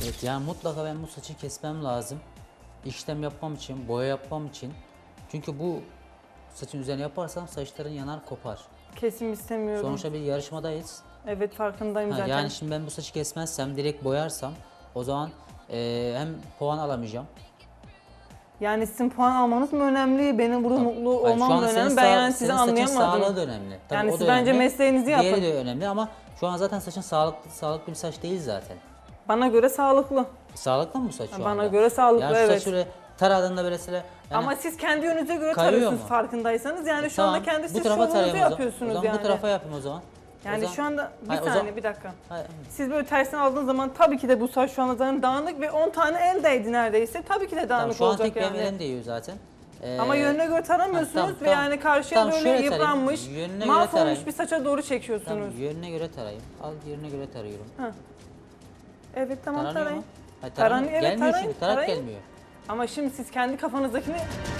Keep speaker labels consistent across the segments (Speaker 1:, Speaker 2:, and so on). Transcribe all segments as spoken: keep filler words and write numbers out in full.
Speaker 1: Evet, yani mutlaka ben bu saçı kesmem lazım. İşlem yapmam için, boya yapmam için. Çünkü bu saçın üzerine yaparsam saçların yanar, kopar.
Speaker 2: Kesim istemiyorum.
Speaker 1: Sonuçta bir yarışmadayız.
Speaker 2: Evet, farkındayım
Speaker 1: Ha,
Speaker 2: zaten.
Speaker 1: yani şimdi ben bu saçı kesmezsem, direkt boyarsam o zaman e, hem puan alamayacağım.
Speaker 2: Yani sizin puan almanız mı önemli? Benim burada
Speaker 1: Tabii.
Speaker 2: mutlu
Speaker 1: Hayır, şu
Speaker 2: olmam
Speaker 1: an
Speaker 2: mı
Speaker 1: senin
Speaker 2: önemli? Ben
Speaker 1: sağ-
Speaker 2: yani sizi
Speaker 1: senin saçın
Speaker 2: anlayamadım.
Speaker 1: sağlığı da önemli. Tabii
Speaker 2: Yani
Speaker 1: o
Speaker 2: siz
Speaker 1: da
Speaker 2: bence
Speaker 1: önemli.
Speaker 2: mesleğinizi
Speaker 1: Diğeri
Speaker 2: yapın.
Speaker 1: de önemli ama şu an zaten saçın sağlıklı, sağlıklı bir saç değil zaten.
Speaker 2: Bana göre sağlıklı.
Speaker 1: Sağlıklı mı bu saç şu
Speaker 2: Bana
Speaker 1: anda?
Speaker 2: göre sağlıklı,
Speaker 1: yani şu
Speaker 2: evet.
Speaker 1: saç şöyle taradığında böyle sıra... Yani
Speaker 2: Ama siz kendi yönünüze göre
Speaker 1: kayıyor
Speaker 2: tarıyorsunuz
Speaker 1: mu?
Speaker 2: farkındaysanız. Yani şu
Speaker 1: tamam,
Speaker 2: anda kendi
Speaker 1: bu
Speaker 2: siz
Speaker 1: tarafa
Speaker 2: şovunuzu
Speaker 1: tarayayım o zaman.
Speaker 2: yapıyorsunuz
Speaker 1: O zaman
Speaker 2: yani.
Speaker 1: bu tarafa yapayım o zaman. O
Speaker 2: Yani
Speaker 1: zaman-
Speaker 2: şu anda bir
Speaker 1: Hayır, o
Speaker 2: saniye
Speaker 1: zaman-
Speaker 2: bir dakika.
Speaker 1: Hayır,
Speaker 2: Siz böyle tersine aldığınız zaman tabii ki de bu saç şu anda zaten dağınık ve on tane el değdi neredeyse. Tabii ki de
Speaker 1: tamam,
Speaker 2: dağınık
Speaker 1: şu an
Speaker 2: olacak
Speaker 1: tek
Speaker 2: yani.
Speaker 1: benim elim değiyor zaten. Ee,
Speaker 2: Ama yönüne göre taramıyorsunuz
Speaker 1: tamam,
Speaker 2: ve
Speaker 1: tamam.
Speaker 2: yani karşıya
Speaker 1: Tamam,
Speaker 2: böyle
Speaker 1: şöyle tarayayım.
Speaker 2: yıpranmış,
Speaker 1: Yönüne göre
Speaker 2: mahvolmuş
Speaker 1: tarayayım.
Speaker 2: bir saça doğru çekiyorsunuz.
Speaker 1: Tamam, yönüne göre tarayayım. Al, yönüne göre tarıyorum.
Speaker 2: Evet tamam
Speaker 1: Taranıyor
Speaker 2: tarayın.
Speaker 1: mu? Hayır,
Speaker 2: Taran-
Speaker 1: taranıyor.
Speaker 2: evet,
Speaker 1: gelmiyor
Speaker 2: tarayın,
Speaker 1: çünkü, tarak
Speaker 2: tarayın.
Speaker 1: gelmiyor.
Speaker 2: Ama şimdi siz kendi kafanızdakini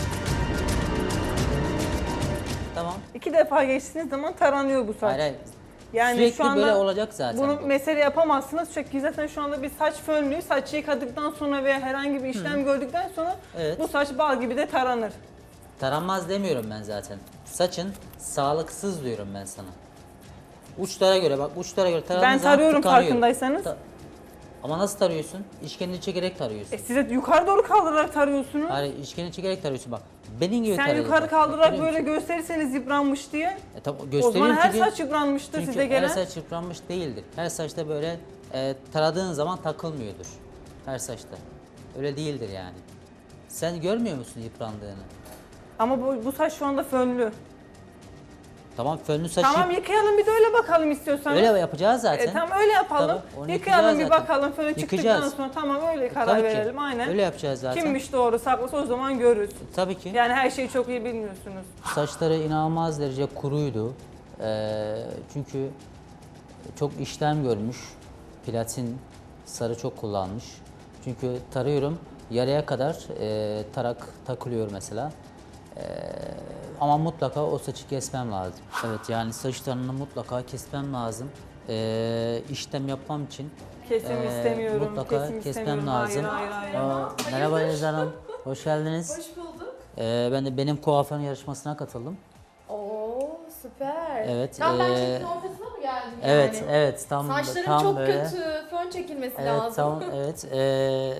Speaker 1: Tamam.
Speaker 2: iki defa geçtiğiniz zaman taranıyor bu saç.
Speaker 1: Hayır, hayır.
Speaker 2: Yani
Speaker 1: Sürekli
Speaker 2: şu anda
Speaker 1: böyle olacak zaten.
Speaker 2: bunu
Speaker 1: bu.
Speaker 2: mesele yapamazsınız çünkü zaten şu anda bir saç fönlüğü, saçı yıkadıktan sonra veya herhangi bir işlem gördükten sonra
Speaker 1: Evet.
Speaker 2: bu saç bal gibi de taranır.
Speaker 1: Taranmaz demiyorum ben zaten. Saçın sağlıksız diyorum ben sana. Uçlara göre bak, uçlara göre taradığın
Speaker 2: Ben
Speaker 1: zaman
Speaker 2: tarıyorum
Speaker 1: tıkanıyor.
Speaker 2: farkındaysanız.
Speaker 1: Ta- Ama nasıl tarıyorsun? İşkenini çekerek tarıyorsun.
Speaker 2: E size yukarı doğru kaldırarak tarıyorsunuz.
Speaker 1: Hayır, işkenini çekerek tarıyorsun bak. Benim gibi
Speaker 2: Sen
Speaker 1: tarıyorsun.
Speaker 2: yukarı
Speaker 1: Bak,
Speaker 2: kaldırarak
Speaker 1: görüyor
Speaker 2: böyle
Speaker 1: musun?
Speaker 2: gösterirseniz yıpranmış diye.
Speaker 1: E, tabii,
Speaker 2: O
Speaker 1: gösteriyorum
Speaker 2: zaman her
Speaker 1: çünkü-
Speaker 2: saç yıpranmıştır
Speaker 1: çünkü
Speaker 2: size gelen.
Speaker 1: her saç yıpranmış değildir. Her saçta böyle e, taradığın zaman takılmıyordur. Her saçta. Öyle değildir yani. Sen görmüyor musun yıprandığını?
Speaker 2: Ama bu, bu saç şu anda fönlü.
Speaker 1: Tamam, fönlü saçı
Speaker 2: Tamam yıkayalım bir de öyle bakalım istiyorsanız.
Speaker 1: öyle yapacağız zaten.
Speaker 2: E, tamam öyle yapalım.
Speaker 1: Tabii, onu
Speaker 2: Yıkayalım bir
Speaker 1: yıkayacağız
Speaker 2: bakalım fönü
Speaker 1: zaten.
Speaker 2: çıktıktan
Speaker 1: Yıkayacağız.
Speaker 2: sonra tamam öyle karar
Speaker 1: Tabii ki.
Speaker 2: verelim aynen.
Speaker 1: Öyle yapacağız zaten.
Speaker 2: Kimmiş doğru saklısı o zaman görürüz.
Speaker 1: Tabii ki.
Speaker 2: Yani her şeyi çok iyi bilmiyorsunuz.
Speaker 1: Saçları inanılmaz derece kuruydu. Ee, çünkü çok işlem görmüş. Platin sarı çok kullanmış. Çünkü tarıyorum, yarıya kadar e, tarak takılıyor mesela. Ee, ama mutlaka o saçı kesmem lazım. Evet, yani saçlarını mutlaka kesmem lazım. Ee, işlem yapmam için
Speaker 2: Kesim
Speaker 1: e,
Speaker 2: istemiyorum,
Speaker 1: mutlaka
Speaker 2: kesim
Speaker 1: kesmem
Speaker 2: istemiyorum.
Speaker 1: lazım.
Speaker 2: Hayır, hayır, hayır.
Speaker 1: Aa, merhaba Elizan Hanım, hoş geldiniz.
Speaker 3: Hoş bulduk.
Speaker 1: Ee, ben de benim kuaförün yarışmasına katıldım.
Speaker 3: Oo süper.
Speaker 1: Evet,
Speaker 3: Tam ben
Speaker 1: ee,
Speaker 3: çekin ortasına mı geldim
Speaker 1: Evet,
Speaker 3: yani?
Speaker 1: evet, tam
Speaker 3: Saçların
Speaker 1: tam
Speaker 3: çok
Speaker 1: böyle.
Speaker 3: kötü. Fön çekilmesi
Speaker 1: Evet,
Speaker 3: lazım.
Speaker 1: tam evet. Ee,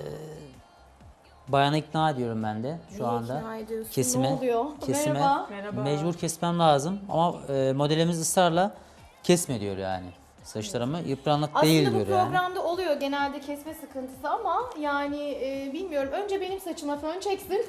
Speaker 1: bayanı ikna ediyorum ben de şu
Speaker 3: Niye
Speaker 1: anda.
Speaker 3: ikna ediyorsun?
Speaker 1: Kesime,
Speaker 3: Ne oluyor?
Speaker 1: kesime
Speaker 3: Merhaba.
Speaker 2: Merhaba.
Speaker 1: mecbur kesmem lazım ama e, modelimiz ısrarla kesme diyor yani. Saçlarımı yıpranık değil
Speaker 3: Aslında bu
Speaker 1: diyor yani.
Speaker 3: programda oluyor genelde kesme sıkıntısı ama yani e, bilmiyorum. Önce benim saçıma fön çeksin.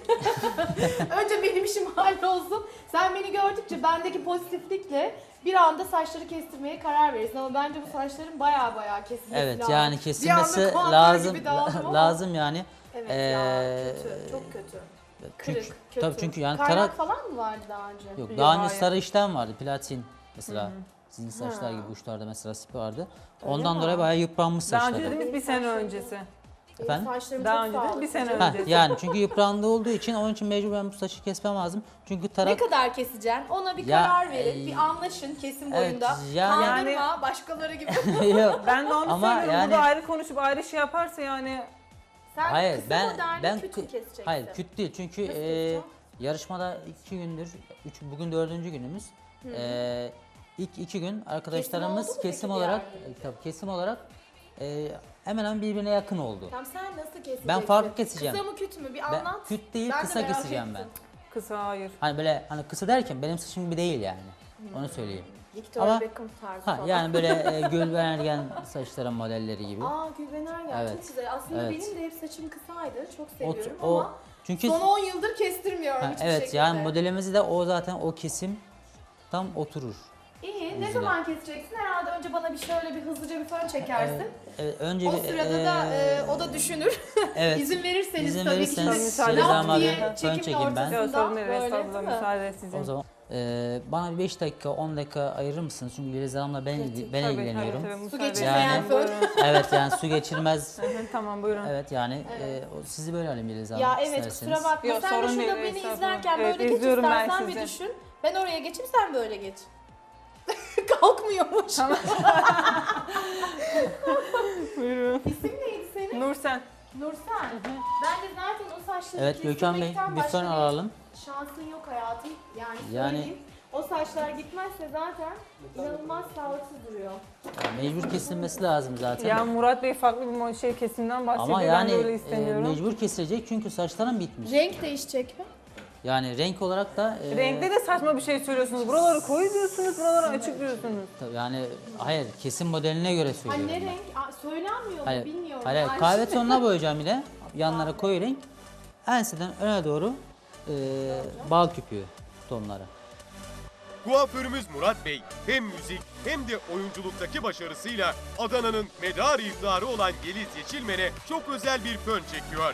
Speaker 3: Önce benim işim hallolsun. Sen beni gördükçe bendeki pozitiflikle bir anda saçları kestirmeye karar verirsin. Ama bence bu saçların baya baya kesilmesi
Speaker 1: Evet,
Speaker 3: lazım.
Speaker 1: yani
Speaker 3: Bir
Speaker 1: kesilmesi
Speaker 3: anda kuaför
Speaker 1: lazım
Speaker 3: gibi dağıldım ama-
Speaker 1: lazım yani.
Speaker 3: Evet
Speaker 1: Ee,
Speaker 3: ya kötü, çok kötü.
Speaker 1: Çünkü,
Speaker 3: Kırık, kötü.
Speaker 1: tabii çünkü yani
Speaker 3: Kaynak
Speaker 1: tarak
Speaker 3: falan mı vardı daha önce?
Speaker 1: yok.
Speaker 2: Yok,
Speaker 1: Daha önce
Speaker 2: hayır.
Speaker 1: sarı işlem vardı, platin mesela. Sizin saçlar
Speaker 3: Ha.
Speaker 1: gibi uçlarda mesela sip vardı.
Speaker 3: Öyle
Speaker 1: Ondan
Speaker 3: mi?
Speaker 1: dolayı bayağı yıpranmış
Speaker 2: Daha
Speaker 1: saçları.
Speaker 2: önce dediğimiz bir sene öncesi.
Speaker 3: Benim
Speaker 1: Efendim?
Speaker 3: saçlarım
Speaker 2: Daha
Speaker 3: çok
Speaker 2: önce de bir
Speaker 3: sağlıklı.
Speaker 2: sene
Speaker 3: canım.
Speaker 1: Ha,
Speaker 2: öncesi.
Speaker 1: yani çünkü yıprandığı olduğu için onun için mecbur ben bu saçı kesmem lazım. Çünkü
Speaker 3: Ne
Speaker 1: tarak
Speaker 3: kadar keseceksin? Ona bir
Speaker 1: Ya,
Speaker 3: karar verin.
Speaker 1: e,
Speaker 3: bir anlaşın kesim
Speaker 1: evet,
Speaker 3: boyunda.
Speaker 1: yani-
Speaker 3: Kandırma başkaları gibi.
Speaker 1: yok.
Speaker 2: Ben de onu
Speaker 1: Ama
Speaker 2: söylüyorum.
Speaker 1: yani-
Speaker 2: Burada ayrı konuşup ayrı şey yaparsa yani
Speaker 3: Sen
Speaker 1: Hayır,
Speaker 3: kısa
Speaker 1: ben
Speaker 3: moderni
Speaker 1: ben
Speaker 3: küt mü keseceksin?
Speaker 1: hayır küt değil çünkü
Speaker 3: Nasıl
Speaker 1: e,
Speaker 3: keseceksin?
Speaker 1: yarışmada iki gündür, üç, bugün dördüncü günümüz. E, ilk iki gün arkadaşlarımız
Speaker 3: oldu mu
Speaker 1: kesim,
Speaker 3: peki bir
Speaker 1: olarak,
Speaker 3: yerde?
Speaker 1: e, tabii kesim olarak e, hemen hemen birbirine yakın oldu.
Speaker 3: Tamam sen nasıl keseceksin?
Speaker 1: Ben farklı keseceğim.
Speaker 3: Kısa mı küt mü? Bir
Speaker 1: Ben
Speaker 3: anlat.
Speaker 1: küt değil,
Speaker 3: Ben de
Speaker 1: kısa
Speaker 3: merak
Speaker 1: keseceğim
Speaker 3: ettim.
Speaker 2: kısa hayır.
Speaker 1: Hani böyle hani kısa derken benim saçım gibi değil yani. Onu söyleyeyim.
Speaker 3: Victoria
Speaker 1: Ama-
Speaker 3: Beckham tarzı
Speaker 1: Ha
Speaker 3: falan.
Speaker 1: yani böyle e, Gülben Ergen saçların modelleri gibi.
Speaker 3: Aa Gülben Ergen
Speaker 1: Evet.
Speaker 3: çok güzel. Aslında
Speaker 1: Evet.
Speaker 3: benim de hep saçım kısaydı. Çok
Speaker 1: O,
Speaker 3: seviyorum
Speaker 1: o
Speaker 3: ama
Speaker 1: çünkü
Speaker 3: son on yıldır kestirmiyorum
Speaker 1: ha,
Speaker 3: hiçbir
Speaker 1: evet
Speaker 3: şekilde.
Speaker 1: yani modelimizi de o zaten o kesim tam oturur.
Speaker 3: İyi. Ne
Speaker 1: Yüzüne.
Speaker 3: zaman keseceksin? Herhalde önce bana bir şöyle bir hızlıca bir fön çekersin.
Speaker 1: Evet, evet, önce
Speaker 3: O
Speaker 1: bir,
Speaker 3: sırada da
Speaker 1: e,
Speaker 3: e, o da düşünür.
Speaker 1: evet.
Speaker 3: İzin verirseniz
Speaker 1: İzin
Speaker 3: tabii
Speaker 1: verirseniz
Speaker 3: ki.
Speaker 2: Şöyle
Speaker 3: Laf
Speaker 2: zaman
Speaker 3: diye
Speaker 2: bir
Speaker 1: fön
Speaker 3: çekimin
Speaker 1: çekeyim ben.
Speaker 3: ortasında
Speaker 2: Yok sorun değil,
Speaker 3: böyle
Speaker 2: estağfurullah
Speaker 3: değil mi?
Speaker 2: müsaade sizin.
Speaker 1: O zaman e, bana bir beş dakika on dakika ayırır mısınız? Çünkü Yeliz Hanım'la ben,
Speaker 3: Tabii,
Speaker 1: ben
Speaker 2: Tabii,
Speaker 1: ilgileniyorum.
Speaker 2: tabii, tabii,
Speaker 3: Su
Speaker 2: müsaade
Speaker 3: geçirmeyen
Speaker 2: edin.
Speaker 3: fön.
Speaker 2: Buyurun.
Speaker 1: Evet yani su geçirmez.
Speaker 2: Hı hı, tamam buyurun.
Speaker 1: Evet yani
Speaker 3: Evet.
Speaker 1: e, o- sizi böyle alayım Yeliz Hanım
Speaker 3: Ya evet
Speaker 1: isterseniz.
Speaker 3: kusura bakma.
Speaker 2: Yok,
Speaker 3: sen de
Speaker 2: sorun
Speaker 3: şurada
Speaker 2: değil,
Speaker 3: beni
Speaker 2: estağfurullah.
Speaker 3: izlerken
Speaker 2: Evet,
Speaker 3: böyle geç
Speaker 2: izliyorum ben
Speaker 3: istersen bir
Speaker 2: sizi.
Speaker 3: düşün. Ben oraya geçeyim sen böyle geç. Kalkmıyormuş.
Speaker 2: Buyurun.
Speaker 3: İsim neydi senin?
Speaker 2: Nursen.
Speaker 3: Nursen. Ben de zaten o saçları
Speaker 1: Evet Gökhan Bey,
Speaker 3: kestirmekten
Speaker 1: bir
Speaker 3: başka
Speaker 1: fön alalım.
Speaker 3: şansın yok hayatım. Yani,
Speaker 1: Yani-
Speaker 3: söyleyeyim. O saçlar gitmezse zaten inanılmaz sağlıksız duruyor.
Speaker 1: Ya mecbur kesilmesi lazım zaten.
Speaker 2: Ya Murat Bey farklı bir mo- şey kesimden bahsediyor.
Speaker 1: Ama
Speaker 2: ben
Speaker 1: yani
Speaker 2: de öyle
Speaker 1: e,
Speaker 2: istemiyorum.
Speaker 1: mecbur kesilecek çünkü saçların bitmiş.
Speaker 3: Renk değişecek mi?
Speaker 1: Yani renk olarak da e,
Speaker 2: Renkte de saçma bir şey söylüyorsunuz. Buraları koyu diyorsunuz, buraları açık diyorsunuz.
Speaker 1: tabii yani hayır kesim modeline göre
Speaker 3: Ha
Speaker 1: söylüyorum.
Speaker 3: ne
Speaker 1: ben.
Speaker 3: renk? Aa, söylenmiyor mu
Speaker 1: Hayır,
Speaker 3: bilmiyorum.
Speaker 1: hayır,
Speaker 3: Yani
Speaker 1: kahve
Speaker 3: şimdi-
Speaker 1: tonuna boyayacağım yine. Yanlara koyu renk. Enseden öne doğru e, bal küpüğü tonları.
Speaker 4: Kuaförümüz Murat Bey hem müzik hem de oyunculuktaki başarısıyla Adana'nın medarı iftiharı olan Geliz Yeşilmen'e çok özel bir fön çekiyor.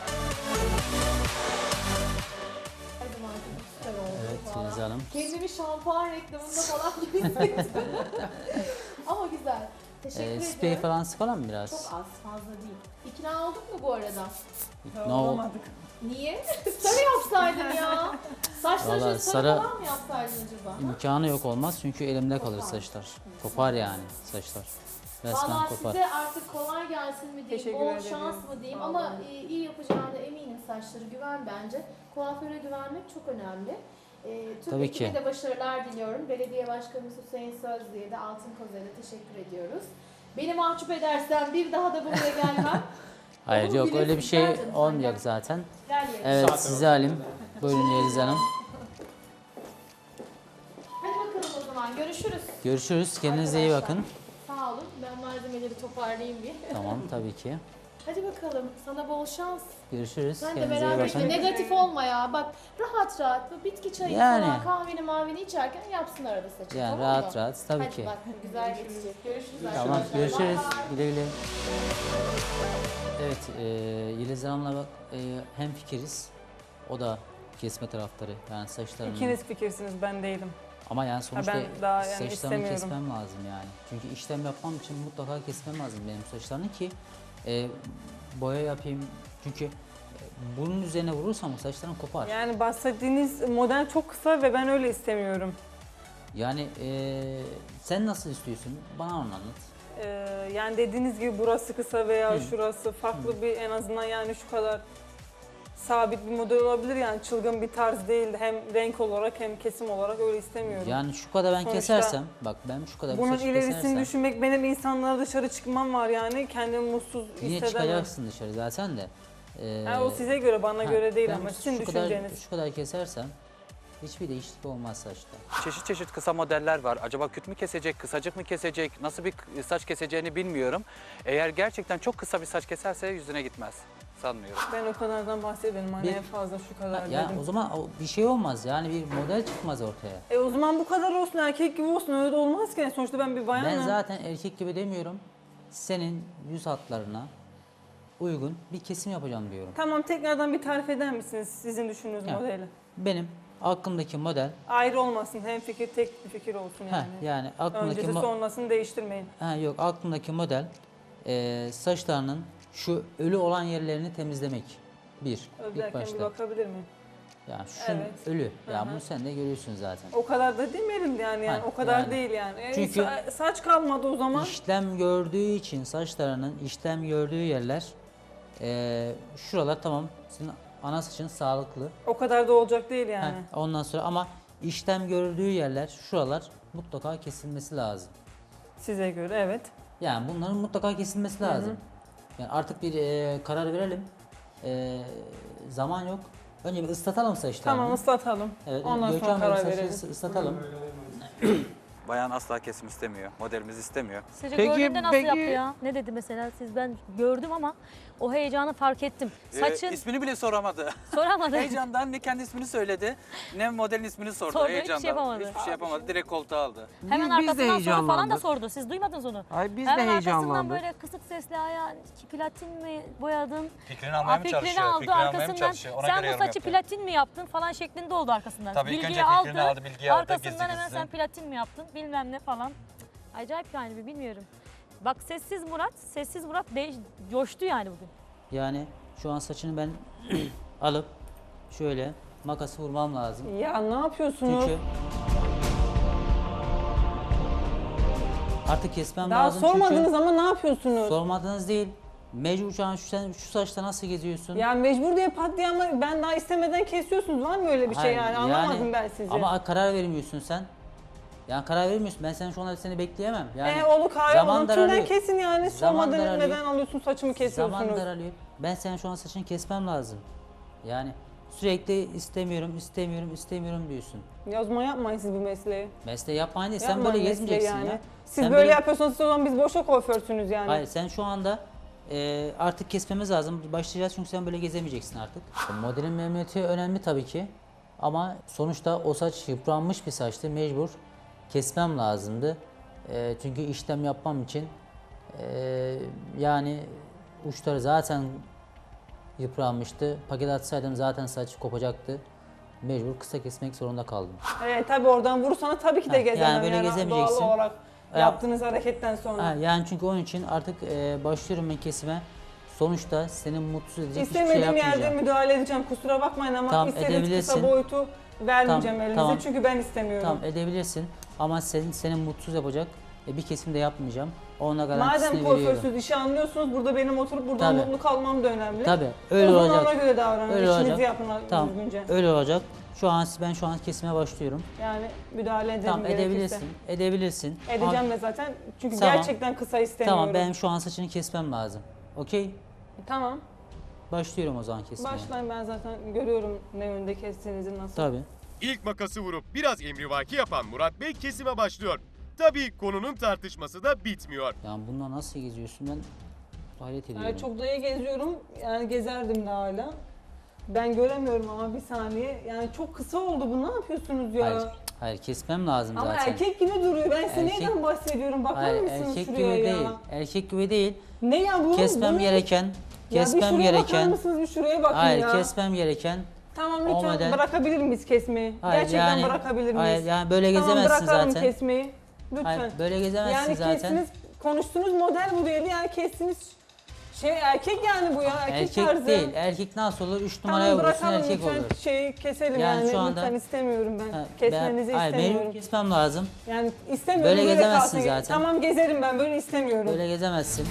Speaker 3: Her zaman çok süper oldu
Speaker 1: Evet
Speaker 3: falan.
Speaker 1: Filiz Hanım.
Speaker 3: Kendimi şampuan reklamında falan gibi hissettim. Ama güzel. Teşekkür
Speaker 1: E,
Speaker 3: ediyorum.
Speaker 1: sprey falan sıkalım mı
Speaker 3: Çok
Speaker 1: biraz?
Speaker 3: az, fazla değil. İkna olduk mu bu arada?
Speaker 1: Ne oldu?
Speaker 2: Olamadık.
Speaker 3: Niye? Sarı yapsaydın ya. Saçları şöyle
Speaker 1: Vallahi
Speaker 3: sarı,
Speaker 1: sarı-
Speaker 3: falan mı yapsaydın acaba?
Speaker 1: İmkanı yok olmaz çünkü elimde kalır
Speaker 3: Kopar.
Speaker 1: saçlar. Kopar yani saçlar. Resmen
Speaker 3: Valla
Speaker 1: kopar.
Speaker 3: size artık kolay gelsin mi diyeyim,
Speaker 2: Teşekkür
Speaker 3: bol
Speaker 2: ederim.
Speaker 3: şans mı diyeyim
Speaker 2: Sağ
Speaker 3: ama
Speaker 2: olun.
Speaker 3: e, iyi yapacağına eminim saçları. Güven bence. Kuaföre güvenmek çok önemli. E, tüm
Speaker 1: Tabii
Speaker 3: ekibe
Speaker 1: ki.
Speaker 3: de başarılar diliyorum. Belediye Başkanımız Hüseyin Sözlü'ye de Altın Kozer'e teşekkür ediyoruz. Beni mahcup edersen bir daha da buraya gelmem.
Speaker 1: Hayır
Speaker 3: Olur,
Speaker 1: yok
Speaker 3: bilirsin,
Speaker 1: öyle bir şey
Speaker 3: gel canım, sen
Speaker 1: olmayacak
Speaker 3: gel.
Speaker 1: zaten.
Speaker 3: Gel yerine.
Speaker 1: Evet sizi alayım. Buyurun Yeliz Hanım.
Speaker 3: Hadi bakalım o zaman görüşürüz.
Speaker 1: Görüşürüz. Kendinize iyi
Speaker 3: Arkadaşlar.
Speaker 1: bakın.
Speaker 3: Sağ olun. Ben malzemeleri toparlayayım bir.
Speaker 1: Tamam tabii ki.
Speaker 3: Hadi bakalım. Sana bol şans.
Speaker 1: Görüşürüz.
Speaker 3: Sen de
Speaker 1: Kendinize iyi
Speaker 3: merak
Speaker 1: bakın.
Speaker 3: etme. Negatif olma ya. Bak rahat rahat bu bitki çayı
Speaker 1: Yani.
Speaker 3: falan kahveni mavini içerken yapsın arada saçını.
Speaker 1: Yani
Speaker 3: tamam
Speaker 1: rahat
Speaker 3: mı?
Speaker 1: rahat tabii
Speaker 3: Hadi
Speaker 1: ki.
Speaker 3: bak güzel geçecek. Görüşürüz
Speaker 1: Tamam
Speaker 3: arkadaşlar.
Speaker 1: görüşürüz.
Speaker 3: Bye bye.
Speaker 1: Güle güle. Evet e, Yeliz Hanım'la bak e, hem fikiriz. O da kesme taraftarı yani saçlarını.
Speaker 2: İkiniz fikirsiniz, ben değilim.
Speaker 1: Ama yani sonuçta
Speaker 2: ben daha yani
Speaker 1: saçlarını
Speaker 2: istemiyorum.
Speaker 1: kesmem lazım yani. Çünkü işlem yapmam için mutlaka kesmem lazım benim saçlarını ki e, boya yapayım. Çünkü e, bunun üzerine vurursam saçlarım kopar.
Speaker 2: Yani bahsettiğiniz model çok kısa ve ben öyle istemiyorum.
Speaker 1: Yani e, sen nasıl istiyorsun? Bana onu anlat.
Speaker 2: Ee, yani dediğiniz gibi burası kısa veya şurası farklı bir en azından yani şu kadar sabit bir model olabilir yani çılgın bir tarz değil hem renk olarak hem kesim olarak öyle istemiyorum.
Speaker 1: Yani şu kadar ben
Speaker 2: Sonuçta
Speaker 1: kesersem, bak ben şu kadar bir
Speaker 2: Bunun
Speaker 1: saçı
Speaker 2: ilerisini
Speaker 1: kesersem
Speaker 2: düşünmek benim insanlara dışarı çıkmam var yani kendimi mutsuz
Speaker 1: yine
Speaker 2: hissedemem.
Speaker 1: çıkacaksın dışarı zaten de. E,
Speaker 2: Yani o size göre bana
Speaker 1: ha,
Speaker 2: göre değil
Speaker 1: ben
Speaker 2: ama sizin
Speaker 1: şu kadar,
Speaker 2: düşünceniz.
Speaker 1: şu kadar kesersem hiçbir değişiklik olmaz saçta.
Speaker 5: Çeşit çeşit kısa modeller var. Acaba küt mü kesecek, kısacık mı kesecek, nasıl bir saç keseceğini bilmiyorum. Eğer gerçekten çok kısa bir saç keserse yüzüne gitmez. Sanmıyorum.
Speaker 2: Ben o kadardan bahsedelim hani
Speaker 1: Bir-
Speaker 2: en fazla şu kadar
Speaker 1: Ya
Speaker 2: dedim.
Speaker 1: o zaman o- bir şey olmaz yani bir model çıkmaz ortaya.
Speaker 2: E o zaman bu kadar olsun erkek gibi olsun öyle de olmaz ki sonuçta ben bir bayanım.
Speaker 1: Ben zaten erkek gibi demiyorum. Senin yüz hatlarına uygun bir kesim yapacağım diyorum.
Speaker 2: Tamam tekrardan bir tarif eder misiniz sizin düşündüğünüz
Speaker 1: Ya.
Speaker 2: modeli?
Speaker 1: Benim aklımdaki model,
Speaker 2: Ayrı olmasın hem fikir tek bir fikir olsun yani.
Speaker 1: heh, yani aklımdaki
Speaker 2: Öncesi
Speaker 1: mo-
Speaker 2: sonrasını değiştirmeyin.
Speaker 1: ha, yok aklımdaki model e, saçlarının şu ölü olan yerlerini temizlemek. Bir, ilk
Speaker 2: Özlerken bir
Speaker 1: başta.
Speaker 2: bakabilir miyim?
Speaker 1: Yani şu
Speaker 2: Evet.
Speaker 1: ölü. Ya
Speaker 2: Hı hı.
Speaker 1: bunu sen de görüyorsun zaten.
Speaker 2: O kadar da demeyelim yani, yani
Speaker 1: Ha,
Speaker 2: o kadar
Speaker 1: yani.
Speaker 2: değil yani. E,
Speaker 1: Çünkü-
Speaker 2: sa- saç kalmadı o zaman.
Speaker 1: İşlem gördüğü için saçlarının işlem gördüğü yerler e, şuralar tamam senin ana saçın sağlıklı.
Speaker 2: O kadar da olacak değil yani.
Speaker 1: Heh, ondan sonra ama işlem gördüğü yerler şuralar mutlaka kesilmesi lazım.
Speaker 2: Size göre evet.
Speaker 1: Yani bunların mutlaka kesilmesi lazım. Yani artık bir e, karar verelim. E, zaman yok. Önce bir ıslatalım saçlarını.
Speaker 2: Tamam ıslatalım.
Speaker 1: Evet,
Speaker 2: Ondan sonra
Speaker 1: Gökhan Bey
Speaker 2: karar
Speaker 1: saçını
Speaker 2: verelim.
Speaker 1: ıslatalım.
Speaker 5: Bayan asla kesim istemiyor. Modelimiz istemiyor.
Speaker 6: Sizce
Speaker 7: Peki,
Speaker 6: gördüğünde nasıl
Speaker 7: peki.
Speaker 6: yaptı ya? Ne dedi mesela? Siz ben gördüm ama o heyecanı fark ettim. Saçın
Speaker 5: Ee, ismini bile soramadı.
Speaker 6: soramadı.
Speaker 5: Heyecandan ne kendi ismini söyledi, ne modelin ismini sordu.
Speaker 6: Sordu, hiçbir şey
Speaker 5: Heyecandan.
Speaker 6: yapamadı.
Speaker 5: Hiçbir şey yapamadı. Direkt koltuğa aldı.
Speaker 6: Hemen
Speaker 7: Biz- biz de
Speaker 6: arkasından soru falan da
Speaker 7: heyecanlandık.
Speaker 6: sordu. Siz duymadınız onu.
Speaker 7: Ay biz de
Speaker 6: Hemen arkasından
Speaker 7: heyecanlandık.
Speaker 6: böyle kısık sesle ya platin mi boyadın?
Speaker 8: Fikrini
Speaker 6: Aa,
Speaker 8: almaya mı
Speaker 6: fikrini
Speaker 8: çalışıyor?
Speaker 6: aldı
Speaker 8: Fikrini almaya mı
Speaker 6: arkasından.
Speaker 8: çalışıyor? Ona
Speaker 6: Sen
Speaker 8: göre
Speaker 6: bu
Speaker 8: yorum
Speaker 6: saçı
Speaker 8: yapıyor.
Speaker 6: platin mi yaptın falan şeklinde oldu arkasından.
Speaker 8: Tabii ilk
Speaker 6: Bilgiyi
Speaker 8: önce fikrini aldı, bilgiyi aldı,
Speaker 6: Arkasından
Speaker 8: gizli
Speaker 6: hemen
Speaker 8: gizli.
Speaker 6: sen platin mi yaptın bilmem ne falan. Acayip yani bir bilmiyorum. Bak sessiz Murat, sessiz Murat değiş, coştu yani bugün.
Speaker 1: Yani şu an saçını ben alıp şöyle makası vurmam lazım.
Speaker 2: Ya ne yapıyorsunuz?
Speaker 1: Çünkü artık kesmem
Speaker 2: Daha
Speaker 1: lazım
Speaker 2: sormadınız
Speaker 1: çünkü
Speaker 2: ama ne yapıyorsunuz?
Speaker 1: sormadınız değil. Mecbur şu an şu, sen şu saçta nasıl geziyorsun?
Speaker 2: Yani mecbur diye pat diye ama ben daha istemeden kesiyorsunuz. Var mı öyle bir şey
Speaker 1: Hayır,
Speaker 2: yani? Anlamadım ben sizi.
Speaker 1: Ama karar vermiyorsun sen. Yani karar vermiyorsun. Ben sen şu anda seni bekleyemem. Yani
Speaker 2: e oğlu kahve
Speaker 1: zaman
Speaker 2: onun tümden
Speaker 1: daralıyor.
Speaker 2: kesin yani.
Speaker 1: Zaman
Speaker 2: Sormadan
Speaker 1: daralıyor.
Speaker 2: neden alıyorsun saçımı kesiyorsunuz?
Speaker 1: Zaman daralıyor. Ben senin şu an saçını kesmem lazım. Yani sürekli istemiyorum, istemiyorum, istemiyorum diyorsun.
Speaker 2: Ya o zaman yapmayın siz bu mesleği.
Speaker 1: Mesleği yapmayın değil. Sen
Speaker 2: Yapmayın
Speaker 1: böyle
Speaker 2: mesleği
Speaker 1: gezmeyeceksin
Speaker 2: yani.
Speaker 1: ya.
Speaker 2: Siz
Speaker 1: Sen
Speaker 2: böyle, yapıyorsanız o zaman biz boşa kuaförsünüz yani.
Speaker 1: Hayır, sen şu anda e, artık kesmemiz lazım. Başlayacağız çünkü sen böyle gezemeyeceksin artık. Modelin memnuniyeti önemli tabii ki. Ama sonuçta o saç yıpranmış bir saçtı. Mecbur kesmem lazımdı. E, çünkü işlem yapmam için e, yani uçları zaten yıpranmıştı. Paket atsaydım zaten saç kopacaktı. Mecbur kısa kesmek zorunda kaldım.
Speaker 2: Evet tabii oradan vursana tabii ki de
Speaker 1: Ha,
Speaker 2: gezemem
Speaker 1: yani böyle gezemeyeceksin.
Speaker 2: doğal olarak
Speaker 1: Ha.
Speaker 2: yaptığınız hareketten sonra.
Speaker 1: Ha, yani çünkü onun için artık e, başlıyorum ben kesime. Sonuçta seni mutsuz edecek hiçbir şey
Speaker 2: İstemediğim yerde
Speaker 1: yapmayacağım.
Speaker 2: müdahale edeceğim kusura bakmayın ama
Speaker 1: Tamam,
Speaker 2: istediğiniz kısa
Speaker 1: edebilirsin.
Speaker 2: boyutu vermeyeceğim
Speaker 1: Tamam,
Speaker 2: elinize
Speaker 1: tamam.
Speaker 2: çünkü ben istemiyorum.
Speaker 1: Tamam edebilirsin ama senin seni mutsuz yapacak e, bir kesim de yapmayacağım. Ona garantisini
Speaker 2: Madem
Speaker 1: veriyorum.
Speaker 2: kuaförsüz işi anlıyorsunuz burada benim oturup buradan
Speaker 1: Tabii.
Speaker 2: mutlu kalmam da önemli.
Speaker 1: Tabii öyle
Speaker 2: o zaman
Speaker 1: olacak.
Speaker 2: ona göre davranın,
Speaker 1: Öyle
Speaker 2: işinizi
Speaker 1: olacak.
Speaker 2: yapın
Speaker 1: Tamam
Speaker 2: düzgünce.
Speaker 1: öyle olacak. Şu an ben şu an kesime başlıyorum.
Speaker 2: Yani müdahale ederim
Speaker 1: Tamam
Speaker 2: gerekirse.
Speaker 1: edebilirsin. Edebilirsin.
Speaker 2: Edeceğim
Speaker 1: Ama-
Speaker 2: de zaten çünkü
Speaker 1: Tamam.
Speaker 2: gerçekten kısa istemiyorum.
Speaker 1: Tamam ben şu an saçını kesmem lazım. Okey?
Speaker 2: Tamam.
Speaker 1: Başlıyorum o zaman kesmeye.
Speaker 2: Başlayın ben zaten görüyorum ne yönde kestiğinizi nasıl.
Speaker 1: Tabii.
Speaker 4: İlk makası vurup biraz emrivaki yapan Murat Bey kesime başlıyor. Tabii konunun tartışması da bitmiyor.
Speaker 1: Yani bununla nasıl geziyorsun ben hayret ediyorum.
Speaker 2: Yani çok da iyi geziyorum. Yani gezerdim de hala. Ben göremiyorum ama bir saniye. Yani çok kısa oldu bu. Ne yapıyorsunuz ya?
Speaker 1: Hayır, hayır kesmem lazım
Speaker 2: Ama
Speaker 1: zaten.
Speaker 2: erkek gibi duruyor. Ben size
Speaker 1: Erkek-
Speaker 2: neyden bahsediyorum? Bakar
Speaker 1: Hayır
Speaker 2: mısınız
Speaker 1: erkek gibi
Speaker 2: şuraya ya?
Speaker 1: değil. Erkek gibi değil.
Speaker 2: Ne ya bu?
Speaker 1: Kesmem
Speaker 2: Bu ne?
Speaker 1: gereken,
Speaker 2: Ya bir
Speaker 1: kesmem
Speaker 2: şuraya bakar
Speaker 1: gereken.
Speaker 2: mısınız? Bir şuraya bakın
Speaker 1: Hayır,
Speaker 2: ya.
Speaker 1: kesmem gereken.
Speaker 2: Tamam
Speaker 1: o
Speaker 2: lütfen
Speaker 1: model-
Speaker 2: bırakabilir miyiz kesmeyi?
Speaker 1: Hayır,
Speaker 2: Gerçekten
Speaker 1: yani-
Speaker 2: bırakabilir miyiz?
Speaker 1: Hayır, yani böyle
Speaker 2: tamam,
Speaker 1: gezemezsin
Speaker 2: bırakalım
Speaker 1: zaten.
Speaker 2: kesmeyi. Lütfen.
Speaker 1: Hayır, böyle gezemezsin
Speaker 2: yani
Speaker 1: zaten.
Speaker 2: kestiniz, konuştuğunuz model bu değil. Yani kestiniz şey erkek yani bu ya. Erkek,
Speaker 1: Erkek
Speaker 2: tarzı.
Speaker 1: değil. Erkek nasıl olur? Üç numaraya
Speaker 2: Tamam
Speaker 1: vurursun
Speaker 2: bırakalım
Speaker 1: erkek
Speaker 2: lütfen
Speaker 1: olur.
Speaker 2: şeyi keselim
Speaker 1: Yani
Speaker 2: yani,
Speaker 1: şu anda-
Speaker 2: lütfen istemiyorum ben.
Speaker 1: Ha,
Speaker 2: Kesmenizi
Speaker 1: ben- hayır,
Speaker 2: istemiyorum.
Speaker 1: benim kesmem lazım.
Speaker 2: Yani istemiyorum.
Speaker 1: Böyle gezemezsin
Speaker 2: kalsın.
Speaker 1: zaten.
Speaker 2: Tamam gezerim ben böyle istemiyorum.
Speaker 1: Böyle gezemezsin.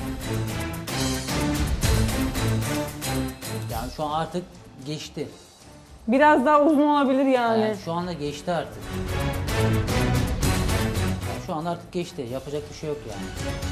Speaker 1: Yani şu an artık geçti.
Speaker 2: Biraz daha uzun olabilir yani.
Speaker 1: Yani şu anda geçti artık. Yani şu anda artık geçti. Yapacak bir şey yok yani.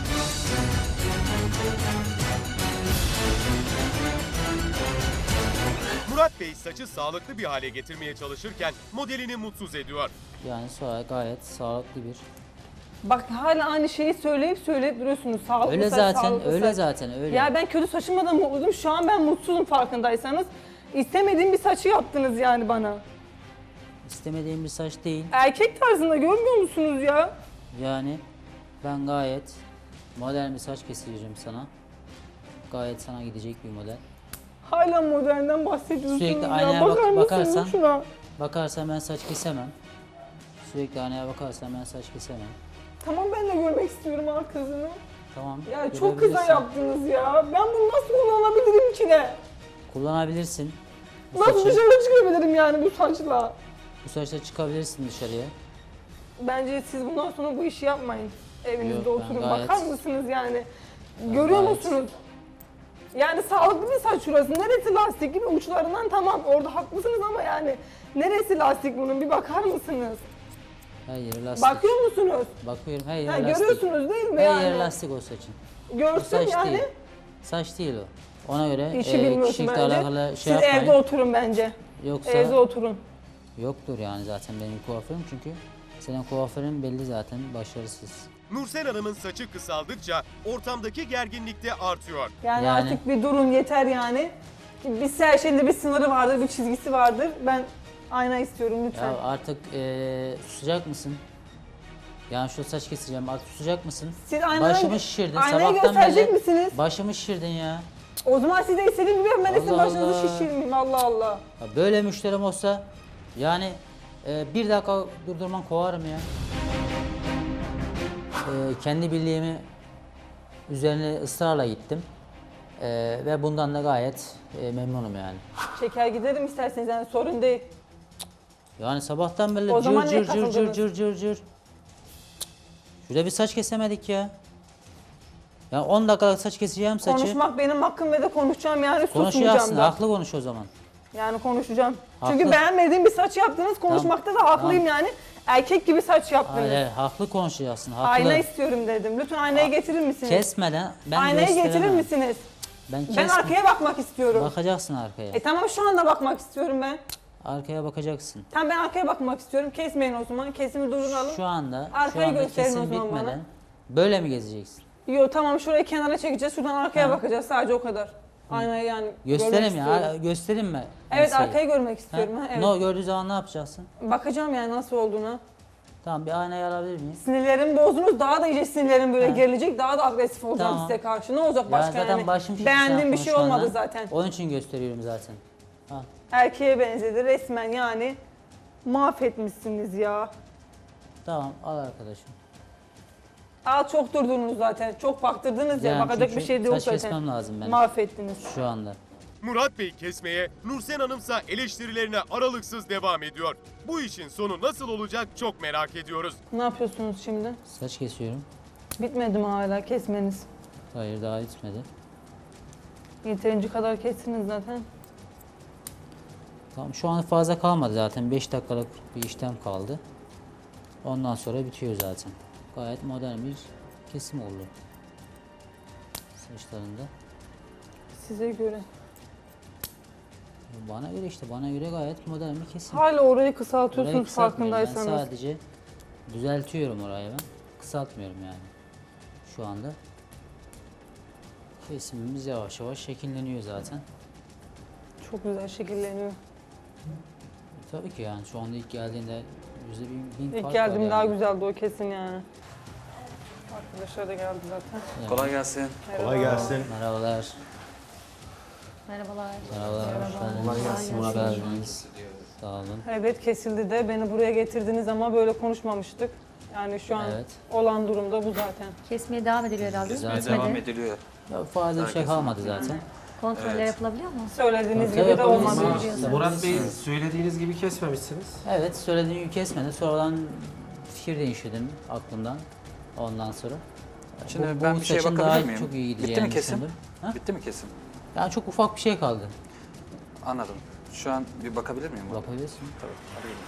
Speaker 4: Murat Bey saçı sağlıklı bir hale getirmeye çalışırken modelini mutsuz ediyor.
Speaker 1: Yani sonra gayet sağlıklı bir.
Speaker 2: Bak hala aynı şeyi söyleyip söyleyip duruyorsunuz. Sağlıklı
Speaker 1: Öyle
Speaker 2: saç,
Speaker 1: zaten,
Speaker 2: sağlıklı
Speaker 1: öyle
Speaker 2: saç.
Speaker 1: zaten öyle.
Speaker 2: Ya ben kötü saçımla da mutluydum. Şu an ben mutsuzum farkındaysanız. İstemediğim bir saçı yaptınız yani bana.
Speaker 1: İstemediğim bir saç değil.
Speaker 2: Erkek tarzında görmüyor musunuz ya?
Speaker 1: Yani ben gayet modern bir saç keseceğim sana. Gayet sana gidecek bir model.
Speaker 2: Hala modelden bahsediyorsunuz
Speaker 1: Sürekli
Speaker 2: ya.
Speaker 1: aynaya
Speaker 2: Bakar
Speaker 1: bak-
Speaker 2: mısınız
Speaker 1: bakarsan-
Speaker 2: şuna?
Speaker 1: Bakarsan ben saç kesemem. Sürekli aynaya bakarsan ben saç kesemem.
Speaker 2: Tamam ben de görmek istiyorum arkasını.
Speaker 1: Tamam.
Speaker 2: Ya çok kısa
Speaker 1: görebilirsin.
Speaker 2: yaptınız ya. Ben bunu nasıl kullanabilirim ki de?
Speaker 1: Kullanabilirsin. Bu
Speaker 2: Nasıl
Speaker 1: saçı,
Speaker 2: dışarı çıkabilirim yani bu saçla?
Speaker 1: bu saçla çıkabilirsin dışarıya.
Speaker 2: Bence siz bundan sonra bu işi yapmayın. Evinizde
Speaker 1: Yok, ben
Speaker 2: oturun.
Speaker 1: gayet-
Speaker 2: Bakar mısınız yani? Görüyor
Speaker 1: gayet-
Speaker 2: musunuz? Yani sağlıklı bir saç şurası. Neresi lastik gibi uçlarından tamam orada haklısınız ama yani neresi lastik bunun bir bakar mısınız?
Speaker 1: Her yeri lastik.
Speaker 2: Bakıyor musunuz?
Speaker 1: Bakıyorum her yeri
Speaker 2: Ha,
Speaker 1: lastik.
Speaker 2: görüyorsunuz değil mi
Speaker 1: Her
Speaker 2: yani?
Speaker 1: yeri lastik o saçın. O
Speaker 2: Görsün
Speaker 1: saç
Speaker 2: yani.
Speaker 1: değil. Saç değil o. Ona göre
Speaker 2: İşi
Speaker 1: e,
Speaker 2: bilmiyorsun
Speaker 1: kişilikle
Speaker 2: bence.
Speaker 1: alakalı şey
Speaker 2: Siz
Speaker 1: yapmayın.
Speaker 2: evde oturun bence.
Speaker 1: Yoksa
Speaker 2: Evde oturun.
Speaker 1: yoktur yani zaten benim kuaförüm çünkü senin kuaförün belli zaten başarısız.
Speaker 4: Nursel Hanım'ın saçı kısaldıkça ortamdaki gerginlik de artıyor.
Speaker 2: Yani,
Speaker 1: Yani-
Speaker 2: artık bir durun yeter yani. Bir her şeyin de bir sınırı vardır, bir çizgisi vardır. Ben ayna istiyorum lütfen.
Speaker 1: Ya artık e, susacak mısın? Yani şu saç keseceğim artık susacak mısın?
Speaker 2: Siz aynadan-
Speaker 1: Başımı şişirdin
Speaker 2: aynayı
Speaker 1: sabahtan
Speaker 2: gösterecek
Speaker 1: beri.
Speaker 2: misiniz?
Speaker 1: Başımı şişirdin ya.
Speaker 2: O zaman siz de istediğim gibi ben de sizin
Speaker 1: Allah
Speaker 2: başınızı
Speaker 1: Allah.
Speaker 2: şişirmeyeyim Allah Allah.
Speaker 1: Ya böyle müşterim olsa yani e, bir dakika durdurman kovarım ya. E, kendi bildiğimi üzerine ısrarla gittim. E, ve bundan da gayet e, memnunum yani.
Speaker 2: Çeker giderim isterseniz yani sorun değil.
Speaker 1: Yani sabahtan beri
Speaker 2: O
Speaker 1: cır
Speaker 2: zaman niye
Speaker 1: cır cır cır
Speaker 2: katıldınız?
Speaker 1: cır cır cır. Şurada bir saç kesemedik ya. Ya on dakikalık saç keseceğim saçı.
Speaker 2: Konuşmak benim hakkım ve de konuşacağım yani
Speaker 1: Konuşacaksın,
Speaker 2: susmayacağım da.
Speaker 1: haklı konuş o zaman.
Speaker 2: Yani konuşacağım.
Speaker 1: Haklı.
Speaker 2: Çünkü beğenmediğim bir saç yaptınız, konuşmakta da haklıyım yani. Erkek gibi saç yaptınız.
Speaker 1: Hayır, haklı konuşacaksın, haklı.
Speaker 2: Ayna istiyorum dedim. Lütfen aynayı getirir misiniz?
Speaker 1: Kesmeden ben
Speaker 2: Aynayı getirir
Speaker 1: gösteremem.
Speaker 2: misiniz?
Speaker 1: Ben,
Speaker 2: Ben
Speaker 1: kesme-
Speaker 2: arkaya bakmak istiyorum.
Speaker 1: Bakacaksın arkaya.
Speaker 2: E tamam şu anda bakmak istiyorum ben.
Speaker 1: Arkaya bakacaksın.
Speaker 2: Tamam ben arkaya bakmak istiyorum. Kesmeyin o zaman. Kesimi durduralım.
Speaker 1: Şu anda,
Speaker 2: Arkayı
Speaker 1: şu anda
Speaker 2: gösterin o
Speaker 1: kesim
Speaker 2: zaman
Speaker 1: bitmeden
Speaker 2: bana.
Speaker 1: böyle mi gezeceksin?
Speaker 2: Yo tamam şurayı kenara çekeceğiz. Şuradan arkaya
Speaker 1: Ha.
Speaker 2: bakacağız. Sadece o kadar. Aynayı yani
Speaker 1: Göstereyim
Speaker 2: görmek
Speaker 1: ya,
Speaker 2: istiyorum.
Speaker 1: göstereyim mi?
Speaker 2: Evet
Speaker 1: enseyi?
Speaker 2: arkayı görmek
Speaker 1: Ha?
Speaker 2: istiyorum. Ha, evet.
Speaker 1: No, gördüğü zaman ne yapacaksın?
Speaker 2: Bakacağım yani nasıl olduğuna.
Speaker 1: Tamam, bir aynayı alabilir miyiz?
Speaker 2: Sinirlerimi bozdunuz. Daha da iyice sinirlerim böyle
Speaker 1: Ha.
Speaker 2: gerilecek. Daha da agresif olacağım
Speaker 1: Tamam.
Speaker 2: size karşı. Ne olacak
Speaker 1: Ya
Speaker 2: başka
Speaker 1: zaten
Speaker 2: yani?
Speaker 1: başım şişti
Speaker 2: Beğendiğim
Speaker 1: sen
Speaker 2: bir şey
Speaker 1: konuşmandan.
Speaker 2: olmadı zaten.
Speaker 1: Onun için gösteriyorum zaten. Ha.
Speaker 2: Erkeğe benzedi resmen yani. Mahvetmişsiniz ya.
Speaker 1: Tamam, al arkadaşım.
Speaker 2: Aa çok durdunuz zaten. Çok baktırdınız ya.
Speaker 1: Yani
Speaker 2: Bakacak
Speaker 1: çünkü
Speaker 2: bir şey de yok
Speaker 1: saç
Speaker 2: zaten.
Speaker 1: kesmem lazım benim
Speaker 2: Mahvettiniz.
Speaker 1: şu anda.
Speaker 4: Murat Bey kesmeye, Nursen Hanımsa eleştirilerine aralıksız devam ediyor. Bu işin sonu nasıl olacak çok merak ediyoruz.
Speaker 2: Ne yapıyorsunuz şimdi?
Speaker 1: Saç kesiyorum.
Speaker 2: Bitmedi mi hala kesmeniz?
Speaker 1: Hayır, daha bitmedi.
Speaker 2: Yeterince kadar kestiniz zaten.
Speaker 1: Tamam, şu an fazla kalmadı zaten. beş dakikalık bir işlem kaldı. Ondan sonra bitiyor zaten. Gayet modern bir kesim oldu. Saçlarında.
Speaker 2: Size göre.
Speaker 1: Bana göre işte, bana göre gayet modern bir kesim.
Speaker 2: Hala orayı
Speaker 1: Orayı
Speaker 2: kısaltıyorsunuz
Speaker 1: kısaltmıyorum. Ben
Speaker 2: farkındaysanız.
Speaker 1: sadece düzeltiyorum orayı ben. Kısaltmıyorum yani. Şu anda. Kesimimiz yavaş yavaş şekilleniyor zaten.
Speaker 2: Çok güzel şekilleniyor.
Speaker 1: Tabii ki yani şu anda ilk geldiğinde yüzde bin, bin
Speaker 2: İlk
Speaker 1: fark
Speaker 2: geldiğim
Speaker 1: var
Speaker 2: daha
Speaker 1: yani.
Speaker 2: güzeldi o kesin yani. Arkadaşlar da geldi zaten.
Speaker 5: Kolay gelsin.
Speaker 7: Kolay gelsin.
Speaker 1: Merhabalar.
Speaker 6: Merhabalar.
Speaker 1: Merhabalar. Hoş geldiniz. Hoş geldiniz. Sağ olun.
Speaker 2: Evet kesildi de beni buraya getirdiniz ama böyle konuşmamıştık. Yani şu an
Speaker 1: Evet.
Speaker 2: olan durumda bu zaten.
Speaker 6: Kesmeye devam ediliyor herhalde.
Speaker 1: Güzel.
Speaker 5: Kesmeye devam ediliyor.
Speaker 1: Ya fazla bir şey kalmadı zaten.
Speaker 6: Kontroller yapılabiliyor mu?
Speaker 2: Söylediğiniz
Speaker 1: Tabii
Speaker 2: gibi de
Speaker 1: yapabiliriz.
Speaker 2: olmadı.
Speaker 1: Tabii.
Speaker 7: Murat Bey söylediğiniz gibi kesmemişsiniz.
Speaker 1: Evet, söylediğim gibi kesmedi. Sonradan fikir değiştirdim aklımdan. Ondan sonra.
Speaker 5: Şimdi
Speaker 1: Bu- bu
Speaker 5: ben bir şeye
Speaker 1: saçın
Speaker 5: bakabilir
Speaker 1: daha
Speaker 5: miyim?
Speaker 1: çok iyi
Speaker 5: Bitti
Speaker 1: gideceğini
Speaker 5: mi kesim?
Speaker 1: düşündüm. Ha?
Speaker 5: Bitti mi kesim?
Speaker 1: Yani çok ufak bir şey kaldı.
Speaker 5: Anladım. Şu an bir bakabilir miyim? buna?
Speaker 1: Bakabilirsin.
Speaker 5: Tabii. Arayayım.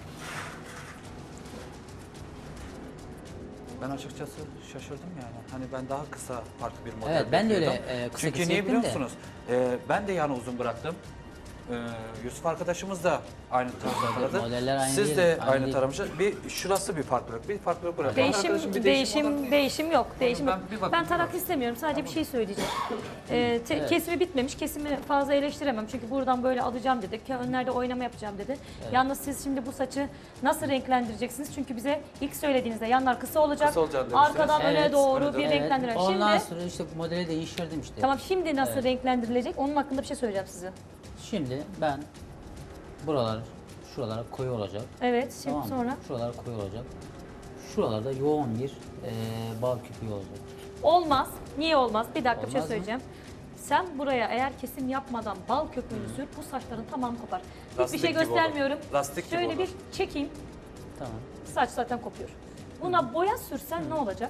Speaker 5: Ben açıkçası şaşırdım yani. Hani ben daha kısa farklı bir model
Speaker 1: Evet, ben de öyle,
Speaker 5: bekliyordum.
Speaker 1: e, kısa
Speaker 5: Çünkü
Speaker 1: kısa
Speaker 5: niye
Speaker 1: yaptım
Speaker 5: biliyor
Speaker 1: da.
Speaker 5: musunuz? E, ben de yani uzun bıraktım. E, Yusuf arkadaşımız da aynı tarzı taradı.
Speaker 1: modeller aynı
Speaker 5: Siz
Speaker 1: değil,
Speaker 5: de
Speaker 1: aynı
Speaker 5: aynı
Speaker 1: değil.
Speaker 5: taramışsınız. Bir şurası bir farklılık, bir farklılık bıraktım. Arkadaşım
Speaker 6: Değişim,
Speaker 5: bir
Speaker 6: değişim,
Speaker 5: olarak-
Speaker 6: değişim, yok. Değişim
Speaker 5: Ben
Speaker 6: yok.
Speaker 5: bir bakayım.
Speaker 6: Ben tarak istemiyorum. Sadece bir şey söyleyeceğim. Ee, te- Kesimi bitmemiş. Kesimi fazla eleştiremem. Çünkü buradan böyle alacağım dedik. Önlerde oynama yapacağım dedi. Yalnız siz şimdi bu saçı nasıl renklendireceksiniz? Çünkü bize ilk söylediğinizde yanlar kısa olacak.
Speaker 5: Kısa olacak demiştiniz.
Speaker 6: Arkadan öne
Speaker 1: Evet,
Speaker 6: doğru
Speaker 5: öne
Speaker 6: bir
Speaker 5: doğru.
Speaker 6: renklendirme.
Speaker 1: Ondan
Speaker 6: Şimdi
Speaker 1: sonra işte modeli değiştirdim işte.
Speaker 6: tamam şimdi nasıl
Speaker 1: Evet.
Speaker 6: renklendirilecek? Onun hakkında bir şey söyleyeceğim size.
Speaker 1: Şimdi ben buralar, şuralara koyu olacak.
Speaker 6: Evet, şimdi
Speaker 1: Tamam mı?
Speaker 6: sonra.
Speaker 1: Şuralar koyu olacak. Şuralarda yoğun bir e, bal küpü olacak.
Speaker 6: Olmaz. Niye olmaz? Bir dakika bir şey
Speaker 1: Olmaz mı?
Speaker 6: söyleyeceğim. Sen buraya eğer kesim yapmadan bal köpüğünü sür, bu saçların tamamı kopar. Hiçbir
Speaker 5: Lastik
Speaker 6: şey
Speaker 5: gibi olur.
Speaker 6: göstermiyorum.
Speaker 5: Lastik gibi
Speaker 6: Şöyle
Speaker 5: olur.
Speaker 6: bir çekeyim.
Speaker 1: Tamam.
Speaker 6: Saç zaten kopuyor. Buna boya sürsen ne olacak?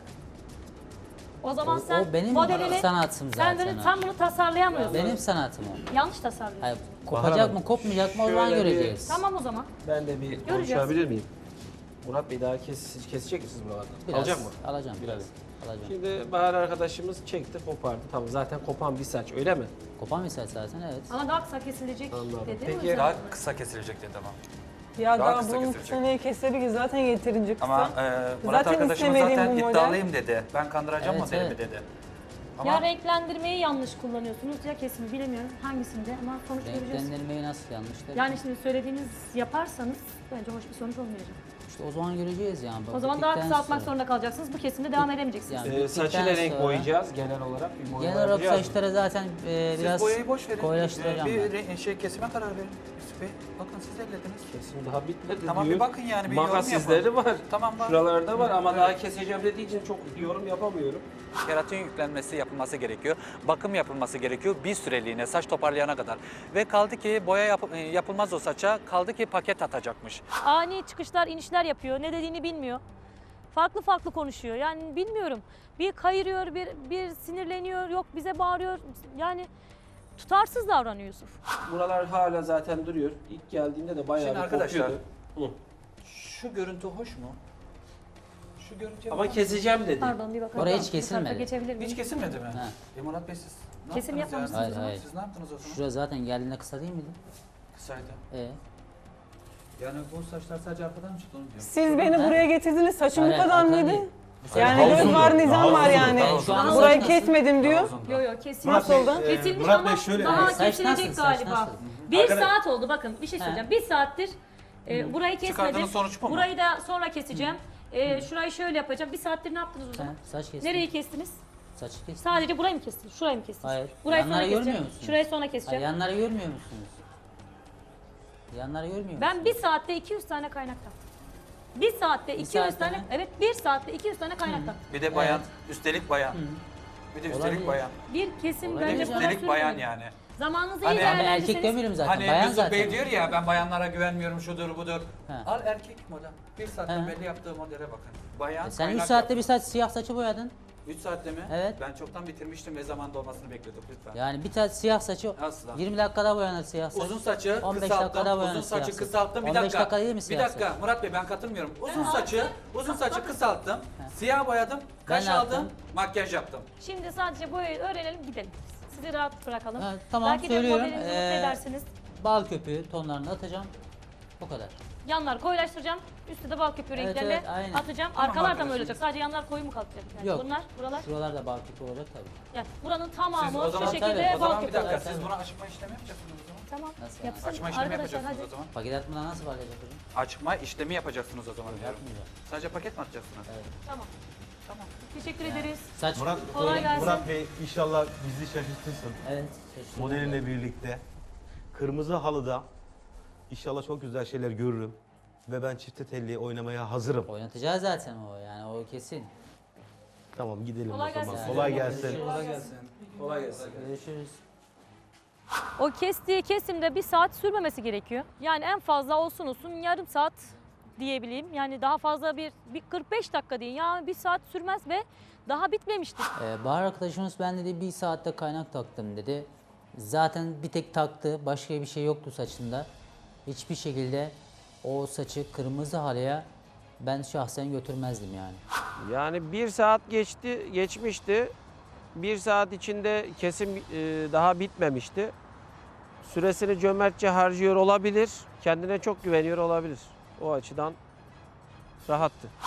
Speaker 6: O zaman
Speaker 1: O-
Speaker 6: sen
Speaker 1: o benim
Speaker 6: modelini,
Speaker 1: sanatım
Speaker 6: sen,
Speaker 1: zaten
Speaker 6: bunu,
Speaker 1: o.
Speaker 6: sen bunu tasarlayamıyorsun.
Speaker 1: Benim sanatım o.
Speaker 6: Yanlış tasarlıyorsun.
Speaker 1: Hayır,
Speaker 7: Bahar
Speaker 1: kopacak
Speaker 7: Hanım,
Speaker 1: mı, kopmayacak mı o zaman
Speaker 7: şöyle bir-
Speaker 1: göreceğiz.
Speaker 6: Tamam o zaman.
Speaker 7: Ben de bir
Speaker 6: Göreceğiz.
Speaker 7: konuşabilir miyim? Murat Bey daha kes, kesecek misiniz buralardan?
Speaker 1: Biraz
Speaker 7: Alacak mı?
Speaker 1: Alacağım.
Speaker 7: Biraz.
Speaker 1: tabii, Alacağım.
Speaker 7: Şimdi Bahar arkadaşımız çekti, kopardı. Tamam zaten kopan bir saç öyle mi?
Speaker 1: Kopan bir saç zaten, evet.
Speaker 6: Ama daha kısa kesilecek
Speaker 7: Anladım.
Speaker 6: dedi.
Speaker 7: Peki,
Speaker 6: o yüzden.
Speaker 5: Daha kısa kesilecek dedi ama.
Speaker 2: Ya
Speaker 5: Daha
Speaker 2: daha,
Speaker 5: kısa
Speaker 2: bunun
Speaker 5: kesilecek.
Speaker 2: seneye kesebilir ki zaten yeterince kısa.
Speaker 5: Ama e, Murat
Speaker 2: Zaten
Speaker 5: arkadaşımız
Speaker 2: istemediğim
Speaker 5: zaten
Speaker 2: bu model.
Speaker 5: iddialıyım dedi. Ben kandıracağım
Speaker 1: Evet,
Speaker 5: modelimi
Speaker 1: evet.
Speaker 5: dedi. Ama
Speaker 6: Ya renklendirmeyi yanlış kullanıyorsunuz ya kesimi bilemiyorum hangisinde ama sonuç göreceğiz.
Speaker 1: Renklendirmeyi nasıl yanlışlar?
Speaker 6: Yani şimdi söylediğiniz yaparsanız bence hoş bir sonuç olmayacak.
Speaker 1: İşte o zaman göreceğiz yani.
Speaker 6: O zaman daha
Speaker 1: Bittikten
Speaker 6: kısaltmak
Speaker 1: sonra.
Speaker 6: zorunda kalacaksınız. Bu kesimde devam edemeyeceksiniz.
Speaker 1: Yani
Speaker 7: Ee,
Speaker 1: bittikten
Speaker 7: saçıyla renk
Speaker 1: sonra-
Speaker 7: boyayacağız genel olarak. Bir boyama
Speaker 1: Genel olarak
Speaker 7: yapacağız mı?
Speaker 1: saçlara zaten e,
Speaker 5: siz
Speaker 1: biraz
Speaker 5: boyayı boş verin.
Speaker 1: koyulaştıracağım
Speaker 5: bir
Speaker 1: ben.
Speaker 5: re- şey kesime karar verin. Yusuf Bey, bakın siz ellediniz.
Speaker 7: Kesim daha bitmedi
Speaker 5: Tamam,
Speaker 7: diyor.
Speaker 5: bir bakın yani, bir
Speaker 7: Makas
Speaker 5: yorum
Speaker 7: izleri
Speaker 5: yapalım.
Speaker 7: var.
Speaker 5: Tamam, var.
Speaker 7: Şuralarda var ama
Speaker 5: Evet.
Speaker 7: daha keseceğim dediği için çok yorum yapamıyorum.
Speaker 5: Keratin yüklenmesi yapılması gerekiyor. Bakım yapılması gerekiyor bir süreliğine saç toparlayana kadar. Ve kaldı ki boya yap- e, yapılmaz o saça. Kaldı ki paket atacakmış.
Speaker 6: Ani çıkışlar, inişler yapıyor. Ne dediğini bilmiyor. farklı farklı konuşuyor. Yani bilmiyorum. Bir kayırıyor, bir, bir sinirleniyor, yok bize bağırıyor. Yani tutarsız davranıyor Yusuf.
Speaker 7: Buralar hala zaten duruyor. İlk geldiğinde de bayağı
Speaker 5: Şimdi
Speaker 7: bir
Speaker 5: arkadaşlar,
Speaker 7: kokuyordu. Hı.
Speaker 5: Şu görüntü hoş mu? Şu görüntüye
Speaker 7: Ama
Speaker 5: bakar
Speaker 7: keseceğim dedi.
Speaker 6: Pardon bir bakar
Speaker 1: Oraya
Speaker 6: mısın?
Speaker 1: hiç
Speaker 6: Bu tarafa
Speaker 1: kesilmedi.
Speaker 6: geçebilir miyim?
Speaker 5: Hiç kesilmedi mi?
Speaker 1: Ha.
Speaker 5: E Murat Bey siz ne
Speaker 6: Kesim
Speaker 5: yaptınız
Speaker 6: yapmamışsınız
Speaker 5: yani?
Speaker 1: o zaman. Hayır,
Speaker 5: Siz ne yaptınız o zaman?
Speaker 1: Şurada zaten geldiğinde kısa değil miydi?
Speaker 5: Kısaydı.
Speaker 1: Ee,
Speaker 5: Yani bu saçlar sadece arkadan mı çıktı onu diyorum.
Speaker 2: Siz beni
Speaker 1: Ha?
Speaker 2: buraya getirdiniz. Saçım
Speaker 1: Hayır,
Speaker 2: bu kadar
Speaker 1: arkadan
Speaker 2: mıydı?
Speaker 1: değil. Bu saç-
Speaker 2: Yani
Speaker 1: Daha
Speaker 2: göz
Speaker 1: uzun.
Speaker 2: var, nizam var yani.
Speaker 1: Ben şu an
Speaker 2: Burayı
Speaker 1: saç nasıl?
Speaker 2: kesmedim diyor.
Speaker 6: Yok yok kesilmiş.
Speaker 2: Nasıl oldu?
Speaker 6: Kesilmiş
Speaker 8: Murat
Speaker 6: ama
Speaker 8: Bey şöyle-
Speaker 6: daha
Speaker 1: Evet, saç
Speaker 6: kesilecek
Speaker 1: nasıl, saç
Speaker 6: galiba.
Speaker 1: nasıl?
Speaker 6: Bir
Speaker 5: Arkadaş-
Speaker 6: saat oldu bakın bir şey söyleyeceğim. Bir saattir e, burayı kesmedim.
Speaker 5: Çıkardığınız sonuç bu mu?
Speaker 6: Burayı da sonra keseceğim. E, şurayı şöyle yapacağım. Bir saattir ne yaptınız o
Speaker 1: Ha,
Speaker 6: zaman?
Speaker 1: saç kestim.
Speaker 6: Nereyi kestiniz?
Speaker 1: Saçı kestim.
Speaker 6: Sadece burayı mı kestiniz? Şurayı mı kestiniz?
Speaker 1: Hayır.
Speaker 6: Burayı sonra
Speaker 1: Yanları görmüyor
Speaker 6: keseceğim.
Speaker 1: musunuz?
Speaker 6: Şurayı sonra
Speaker 1: Hayır,
Speaker 6: keseceğim.
Speaker 1: yanları görmüyor musunuz? Yanları görmüyor musunuz?
Speaker 6: Ben bir saatte iki yüz tane kaynak taktım. Bir saatte iki yüz
Speaker 1: saatte
Speaker 6: tane,
Speaker 1: mi?
Speaker 6: evet bir saatte iki yüz tane kaynak taktım.
Speaker 5: Bir de bayan, üstelik bayan. Bir de üstelik
Speaker 1: Olabilir.
Speaker 5: bayan.
Speaker 6: Bir kesim
Speaker 1: Olabilir.
Speaker 6: bence
Speaker 1: Bir de
Speaker 6: buna
Speaker 5: Üstelik bayan
Speaker 6: sürmeyin.
Speaker 5: yani.
Speaker 6: Zamanınızı
Speaker 5: Hani
Speaker 6: iyi
Speaker 5: ben
Speaker 1: Ben erkek
Speaker 6: değerlendirirseniz.
Speaker 1: demiyorum zaten.
Speaker 5: Hani
Speaker 1: bayan
Speaker 5: Yusuf
Speaker 1: zaten.
Speaker 5: Bey diyor ya ben bayanlara güvenmiyorum şudur budur.
Speaker 1: Ha.
Speaker 5: Al erkek model. Bir saatte
Speaker 1: Ha.
Speaker 5: belli yaptığı modele bakın. Bayan
Speaker 1: E Sen üç
Speaker 5: kaynak
Speaker 1: saatte
Speaker 5: yap-
Speaker 1: bir saç siyah saçı boyadın.
Speaker 5: üç saatte mi?
Speaker 1: Evet.
Speaker 5: Ben çoktan bitirmiştim ve zamanda olmasını bekliyorduk lütfen.
Speaker 1: Yani bir tane siyah saçı
Speaker 5: Asla.
Speaker 1: yirmi dakikada boyanır siyah saç.
Speaker 5: Uzun saçı
Speaker 1: on beş
Speaker 5: kısalttım.
Speaker 1: dakikada boyanır
Speaker 5: Uzun saçı
Speaker 1: siyah saç.
Speaker 5: kısalttım. Bir
Speaker 1: on beş
Speaker 5: dakika.
Speaker 1: dakika değil mi
Speaker 5: Bir
Speaker 1: siyah
Speaker 5: dakika.
Speaker 1: saç?
Speaker 5: Murat Bey ben katılmıyorum. Uzun saçı, uzun saçı kısalttım. Siyah boyadım. Kaş
Speaker 1: ne
Speaker 5: aldım.
Speaker 1: yaptım?
Speaker 5: Makyaj yaptım.
Speaker 6: Şimdi sadece boyayı öğrenelim gidelim. Sizi rahat bırakalım.
Speaker 1: Ha, tamam,
Speaker 6: Belki de
Speaker 1: söylüyorum.
Speaker 6: modelinizi mutlu
Speaker 1: Ee,
Speaker 6: edersiniz.
Speaker 1: Bal köpüğü tonlarını atacağım. O kadar.
Speaker 6: Yanlar koyulaştıracağım. Üstte de bal köpüğü
Speaker 1: Evet,
Speaker 6: renklerle
Speaker 1: evet, aynen.
Speaker 6: atacağım.
Speaker 5: Tamam
Speaker 6: Arkalar da mı
Speaker 5: arkadaşım.
Speaker 6: öyle olacak? Sadece yanlar koyu mu kalacak? Yani
Speaker 1: Yok.
Speaker 6: Bunlar, buralar.
Speaker 1: Şuralarda bal köpüğü olacak tabii.
Speaker 6: Yani buranın
Speaker 5: Siz
Speaker 6: tamamı
Speaker 5: o
Speaker 6: şu
Speaker 5: zaman,
Speaker 6: şekilde
Speaker 5: o zaman
Speaker 6: bal
Speaker 5: bir
Speaker 6: köpüğü
Speaker 5: dakika
Speaker 6: olacak.
Speaker 5: siz buna açma işlemi yapacaksınız o zaman.
Speaker 6: Tamam.
Speaker 1: Nasıl yani?
Speaker 6: Yapsın.
Speaker 5: Açma işlemi
Speaker 6: Arkadaşlar
Speaker 5: yapacaksınız
Speaker 6: hadi.
Speaker 5: o zaman.
Speaker 1: Paket atmadan nasıl bal yapacak hocam?
Speaker 5: Açma işlemi yapacaksınız o zaman diyorum.
Speaker 1: Yapmayacağım.
Speaker 5: Sadece paket mi atacaksınız?
Speaker 6: Tamam. Tamam. Teşekkür ederiz.
Speaker 1: Saç
Speaker 8: Murat,
Speaker 6: Kolay gelsin.
Speaker 8: Murat Bey inşallah bizi şaşırtırsın.
Speaker 1: Evet. şaşırdım.
Speaker 8: Modelinle birlikte. Kırmızı halıda inşallah çok güzel şeyler görürüm. Ve ben çifte telli oynamaya hazırım.
Speaker 1: Oynatacağız zaten o yani o kesin.
Speaker 8: Tamam gidelim
Speaker 6: Kolay
Speaker 8: o zaman.
Speaker 6: gelsin.
Speaker 8: Kolay gelsin.
Speaker 5: Kolay gelsin. Kolay gelsin.
Speaker 1: Görüşürüz.
Speaker 6: O kestiği kesimde bir saat sürmemesi gerekiyor. Yani en fazla olsun olsun yarım saat diyebileyim. Yani daha fazla bir, bir kırk beş dakika değil. Yani bir saat sürmez ve daha bitmemişti.
Speaker 1: Ee, Bahar arkadaşımız ben dedi bir saatte kaynak taktım dedi. Zaten bir tek taktı. Başka bir şey yoktu saçında. Hiçbir şekilde o saçı kırmızı halıya ben şahsen götürmezdim yani.
Speaker 7: Yani bir saat geçti, geçmişti. Bir saat içinde kesim e, daha bitmemişti. Süresini cömertçe harcıyor olabilir. Kendine çok güveniyor olabilir. O açıdan rahattı.